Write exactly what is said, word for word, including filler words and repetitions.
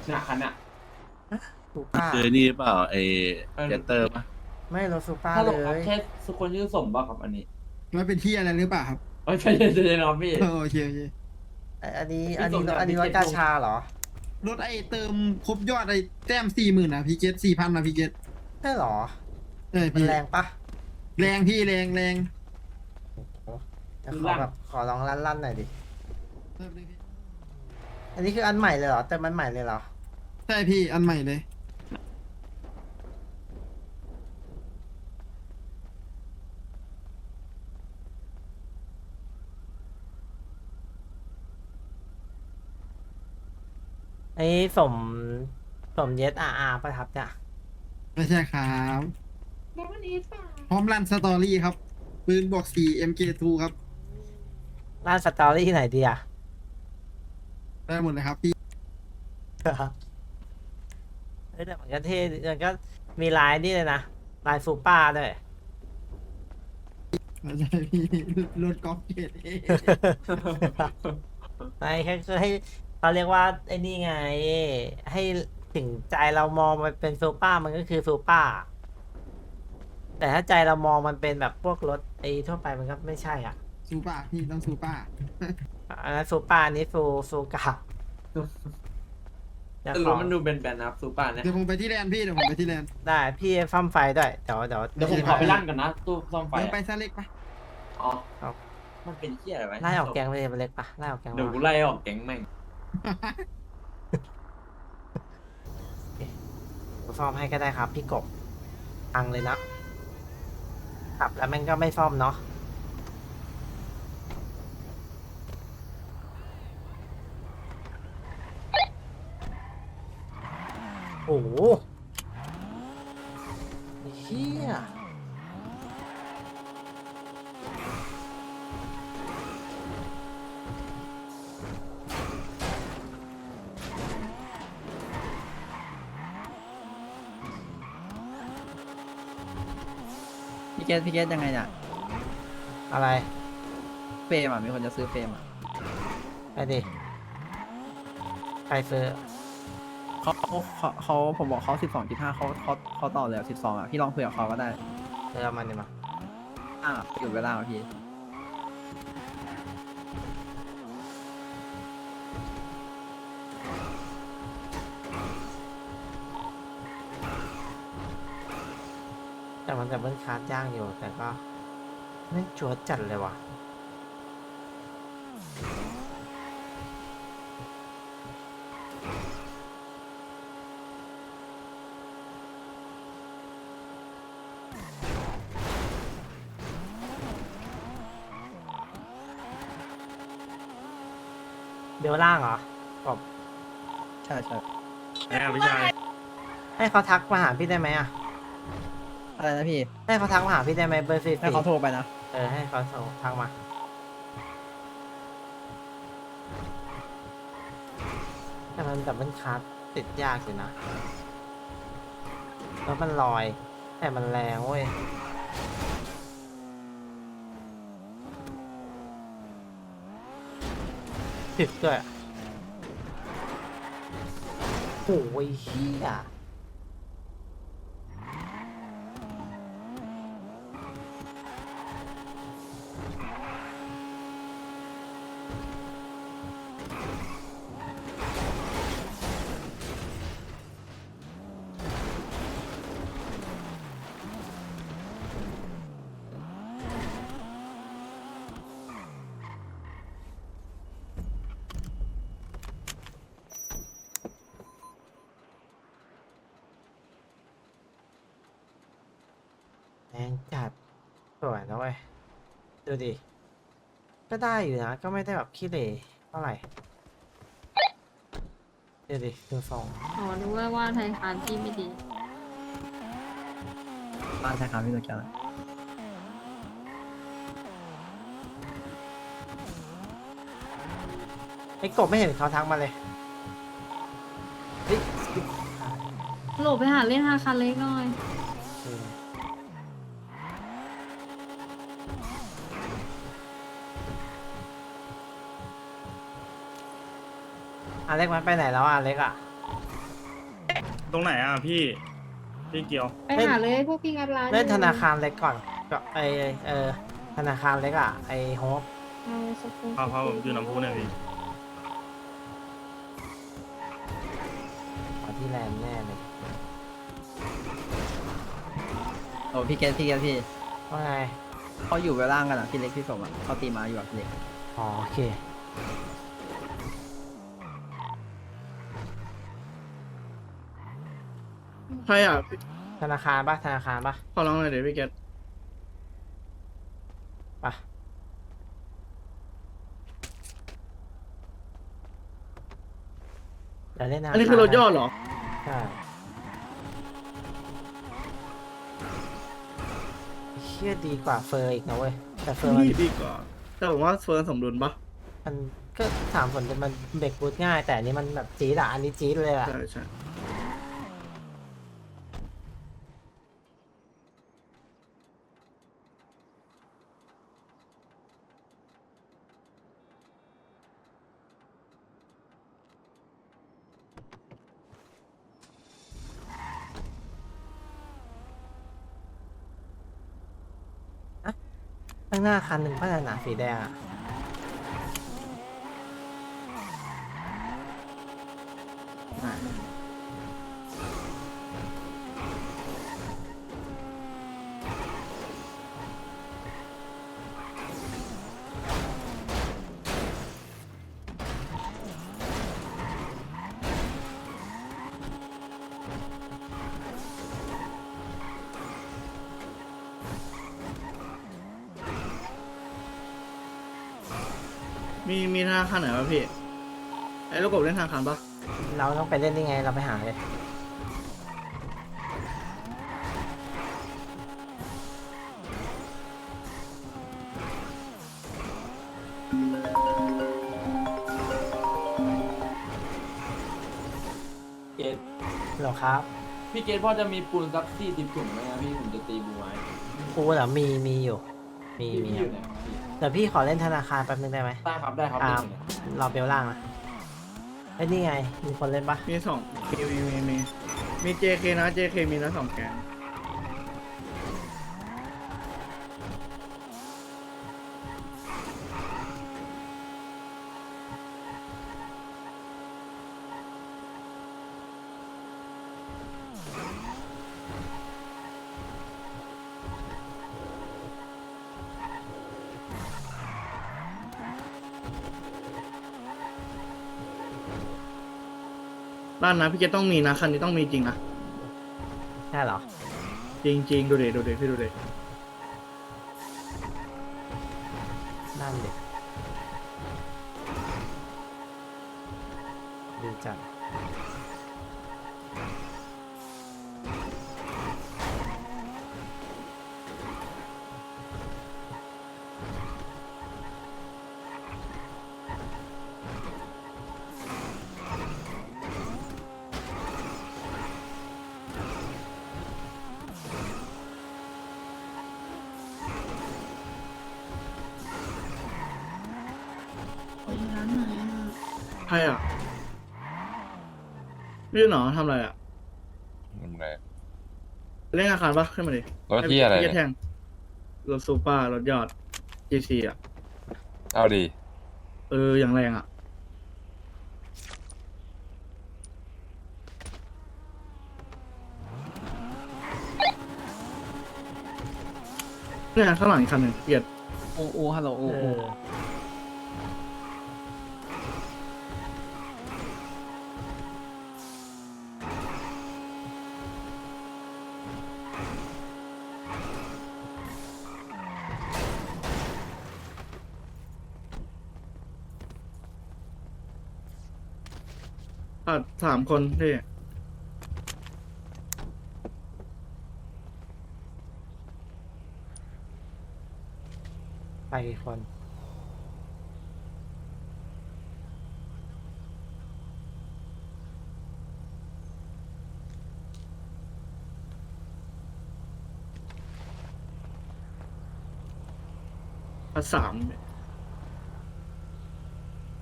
เนี่ยคันเนี่ยซูป้าคือนี่เปล่าไอเออเจสเตอร์ปะไม่รถซูป้าถ้าเลลงครับยแค่สุคนชื่อสมบ้าครับอันนี้มันเป็นที่อะไรหรือเปล่าครับเอ้ยใช่ใช่ใช่ครับพี่เออโอเคโอเคไอ้อันนี้พี่อันนี้ส่งรถจากอันนี้รถพี่เกตกาลงชาเหรอรถไอเติมครบยอดไอแต้มสี่หมื่นอ่ะพี่เกตสี่พันอ่ะพี่เกตใช่เหรอเออมันพี่แรงปะแรงพี่แรงแรงจะขอแบบขอลองลั่นๆหน่อยดิแป๊บนึงพี่อันนี้คืออันใหม่เลยเหรอแต่มันใหม่เลยเหรอใช่พี่อันใหม่เลยไอ้สมสมเยสอาอาประทับจ้ะไม่ใช่ครับพร้อมรันสตอรี่ครับ ปืนบวกสี่ เอ็ม เค ทู ครับร้านสตอรี่ที่ไหนดีอ่ะได้หมดเลยครับพี่เอ้ยแต่มันก็เท่มันก็มีลายนี่เลยนะลายซูป้าด้วยไม่ใช่พี่รถกอล์ฟเกตเอไม่แค่คือให้เขาเรียกว่าไอ้นี่ไง ให้ถึงใจเรามองมันเป็นซูเปอร์มันก็คือซูเปอร์แต่ถ้าใจเรามองมันเป็นแบบพวกรถไอ้ทั่วไปมันก็ไม่ใช่อ่ะซูป้าพี่ต้องซูป้าอันนั้นซูเปอร์อันนี้ซูซูกะเดี๋ยวแต่ขรอถมันดูเป็นแบนนะครับซูปาเนี่ยเดี๋ยวผมไปที่แลนด์พี่เดี๋ยวผมไปที่แลนด์ได้พี่ซ่อมไฟด้วยเดี๋ยวเดี๋ยวเดี๋ยวผมขอไปลั่นก่อนนะตู้ซ่อมไฟเดี๋ยวไปอะซาเล็กปะอ๋อครับมันเป็นเที่ยอะไรวะไล่ออกแกงไปเลยมันเล็กปะไล่ออกแกงเดี๋ยวมากูไล่ออกแก๊งแม่งผมซ่อมให้ก็ได้ครับ พี่กบอังเลยนะขับแล้วแม่งก็ไม่ซ่อมเนาะโอ้โหเฮียพี่เกตพี่เกตยังไงเนี่ยอะไรเฟรมอ่ะมีคนจะซื้อเฟรมอ่ะไปดิใครซื้อเขาเขาเขาเขาผมบอกเขาสิบสองจุดห้าเขาเขาเขาต่อเลยสิบสองอ่ะพี่ลองคุยกับเขาก็ได้เซื้อมันดิมาอ่าอยู่เวลาอ่ะพี่แต่มันจะเบิ้ลคาร์ดย่างอยู่ แต่ก็ไม่จวดจัดเลยว่ะ เบลล่างเหรอบอกใช่ใช่แอบพี่ชายให้เขาทักมาหาพี่ได้ไหมอ่ะอะไรนะพี่ให้เขาทักมาหาพี่ได้ไหมเบอร์สี่ให้สี่เขาโทรไปนะเออให้เขาส่งทักมา แต่มันดับเบิลคาร์ดติดยากอยู่นะ แล้วมันลอย แต่มันแรงเว้ย ถึกด้วยโอ้ยเฮียแรงจัดสวยนะเว้ย ดูดิ ก็ได้อยู่นะ ก็ไม่ได้แบบขี้เหร่เท่าไหร่ดูดิดูทรงอ๋อนึกว่าว่าไทยคานที่ไม่ดีบ้านใช่ครับพี่ตัวแกนไอ้กบไม่เห็นเขาทักมาเลยเฮ้ยโหลไปหาเล่นฮาคาเล็กหน่อยอืมอเล็กมันไปไหนแล้วอ่ะอเล็กอ่ะตรงไหนอ่ะพี่พี่เกียวไปหาเลยพวกพี่งัดร้านเล่นธนาคารเล็กก่อนก็ไอเออธนาคารเล็กอ่ะไอโฮปเอาสกุลพาพาผมอยู่น้ำพุเนี่ยพี่มาที่แลนด์แน่เลยโอ้พี่เกตพี่เกตพี่ว่าไงเขาอยู่เวลล่างกันอ่ะพี่เล็กพี่สมอ่ะเขาตีมาอยู่กับพี่เล็กอ๋อโอเคใครอ่ะธนาคารปะธนาคารปะขอร้องหน่อยเดี๋ยวพี่เกตปะเดี๋ยวเล่นธนาคารอันนี้คือรถยอดเหรอใช่เชี่ยดีกว่าเฟอร์อีกนะเว้ยแต่เฟอร์มันนี่ดีกว่า แต่ผมว่าเฟิร์นสมดุลปะมันก็ถามผลมันเบรกบูทง่าย แต่อันนี้มันแบบจี๊ดอะอันนี้จี๊ดเลยอะใช่ใช่ข้างหน้าคันหนึ่งพัฒนาสีแดงอะมีมีธนาคารไหนวะพี่ ไอ้ลูกกบเล่นธนาคารปะเราต้องไปเล่นได้ไงเราไปหาเลยเกตเหรอครับพี่เกตพ่อจะมีปูนสักสี่สิบถุงไหมครับพี่ผมจะตีบูไว้กูเหรอมีมีอยู่ มีพี่มีพี่คอรับยู่ไหนครับพี่เดี๋ยวพี่ขอเล่นธนาคารแป๊บนึงได้ไหมได้ครับได้ครับอ่าได้เลยเราเบลล่างนะไอ้ยนี่ไง มีคนเล่นปะมีสองมีมีมีมีมี เจ เค นะ เจ เค มีนะสองแกน บ้านนะพี่เกตต้องมีนะคันนี้ต้องมีจริงนะใช่เหรอจริงจริงดูเด็ดูเด็พี่ดูเด็นั่นเด็กดีจังใครอ่ะพี่หนอทำอะไรอ่ะทำไรเล่นอาคารปะขึ้นมาดิรถที่อะไรพี่เนี่ยแทงรถซูเปอร์รถยอด จี ซี อ่ะเอาดีเออ อย่างแรงอ่ะ เนี่ยข้างหลังอีกคันหนึ่งเกียดอูอูฮัลโหลอูเออูออ่ะสามคนพี่ไปกี่คนอ่ะสาม